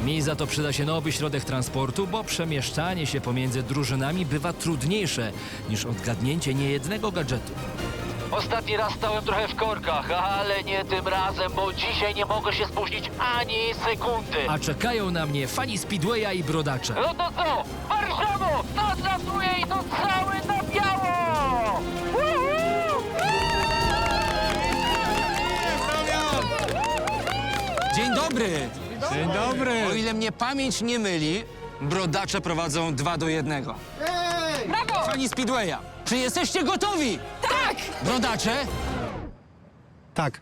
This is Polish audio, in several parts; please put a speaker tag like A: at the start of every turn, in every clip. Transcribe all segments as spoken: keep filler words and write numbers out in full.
A: Mi za to przyda się nowy środek transportu, bo przemieszczanie się pomiędzy drużynami bywa trudniejsze niż odgadnięcie niejednego gadżetu.
B: Ostatni raz stałem trochę w korkach, ale nie tym razem, bo dzisiaj nie mogę się spóźnić ani sekundy.
A: A czekają na mnie fani Speedwaya i brodacze.
B: No to co? Warszawo! To zlatuje i to cały na biało! Woohoo!
C: Dzień dobry!
D: Dzień dobry!
C: O ile mnie pamięć nie myli, brodacze prowadzą dwa do jednego.
E: Brawo!
C: Fani Speedwaya, czy jesteście gotowi? Tak! Brodacze?
D: Tak.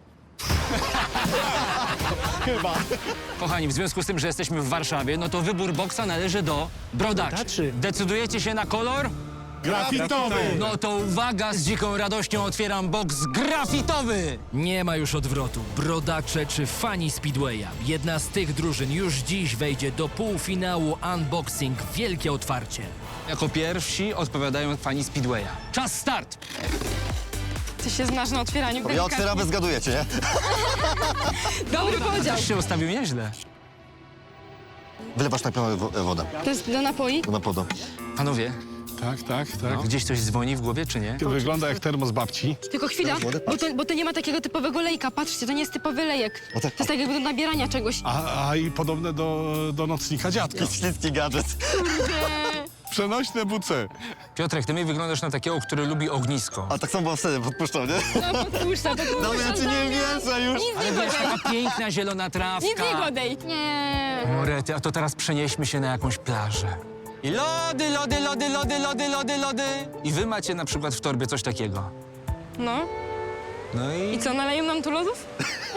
D: Chyba.
C: Kochani, w związku z tym, że jesteśmy w Warszawie, no to wybór boksa należy do brodaczy.
D: Brodaczy.
C: Decydujecie się na kolor?
D: Grafitowy!
C: No to uwaga, z dziką radością otwieram boks grafitowy!
A: Nie ma już odwrotu. Brodacze czy fani Speedwaya. Jedna z tych drużyn już dziś wejdzie do półfinału Unboxing Wielkie Otwarcie.
C: Jako pierwsi odpowiadają fani Speedwaya. Czas start!
E: Ty się znasz na otwieraniu
F: Ja
E: delikatnie.
F: otwieram, wy zgadujecie, nie?
E: Dobry podział.
C: Też się ustawił nieźle.
F: Wylewasz najpierw wo- wodę
E: To jest do napoi?
F: do napodu.
C: Panowie,
D: Tak, tak, tak.
C: gdzieś coś dzwoni w głowie, czy nie?
D: Wygląda jak termos babci.
E: Tylko chwila,
F: Wody?
E: bo to, bo to nie ma takiego typowego lejka. Patrzcie, to nie jest typowy lejek.
F: No tak.
E: To jest tak jakby do nabierania czegoś.
D: A, a i podobne do, do nocnika dziadka.
F: Śliski gadżet.
D: Przenośne buce.
C: Piotrek, ty mi wyglądasz na takiego, który lubi ognisko.
F: A tak samo było wtedy, podpuszczał, nie?
E: No podpuszcza, podpuszcza.
F: No ja ci nie wierzę już.
E: Nic
C: Ale
E: nie
C: wiesz,
E: godej.
C: taka piękna zielona trawka.
E: Nic nie godej. Nie.
C: Morety, a to teraz przenieśmy się na jakąś plażę. I lody, lody, lody, lody, lody, lody, lody. I wy macie na przykład w torbie coś takiego.
E: No.
C: No i...
E: I co, naleją nam tu lodów?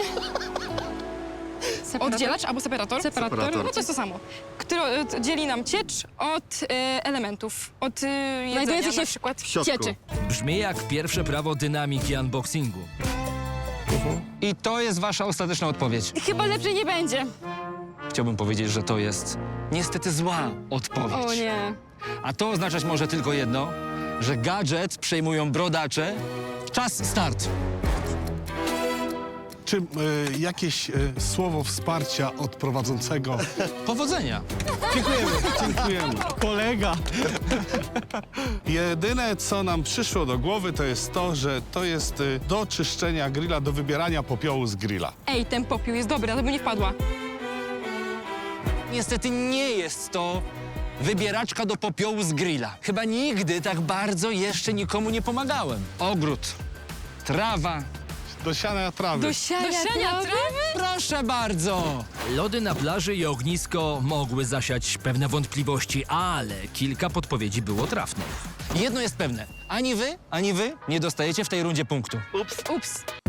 E: Oddzielacz albo separator? separator?
F: Separator.
E: No to jest to samo. Który e, dzieli nam ciecz od e, elementów. Od e, jedzenia się na przykład
F: środku.
E: cieczy.
A: Brzmi jak pierwsze prawo dynamiki unboxingu.
C: I to jest wasza ostateczna odpowiedź.
E: Chyba lepszej nie będzie.
C: Chciałbym powiedzieć, że to jest niestety zła odpowiedź.
E: O nie.
C: A to oznaczać może tylko jedno, że gadżet przejmują brodacze. Czas start.
D: Czy y, jakieś y, słowo wsparcia od prowadzącego?
C: Powodzenia.
D: Dziękujemy, dziękujemy. Kolega. Jedyne, co nam przyszło do głowy, to jest to, że to jest y, do czyszczenia grilla, do wybierania popiołu z grilla.
E: Ej, ten popiół jest dobry, ale by nie wpadła.
C: Niestety nie jest to wybieraczka do popiołu z grilla. Chyba nigdy tak bardzo jeszcze nikomu nie pomagałem. Ogród, trawa.
D: Do siania trawy.
E: Do siania, Do siania trawy?
C: Proszę bardzo.
A: Lody na plaży i ognisko mogły zasiać pewne wątpliwości, ale kilka podpowiedzi było trafnych.
C: Jedno jest pewne. Ani wy, ani wy nie dostajecie w tej rundzie punktu.
E: Ups.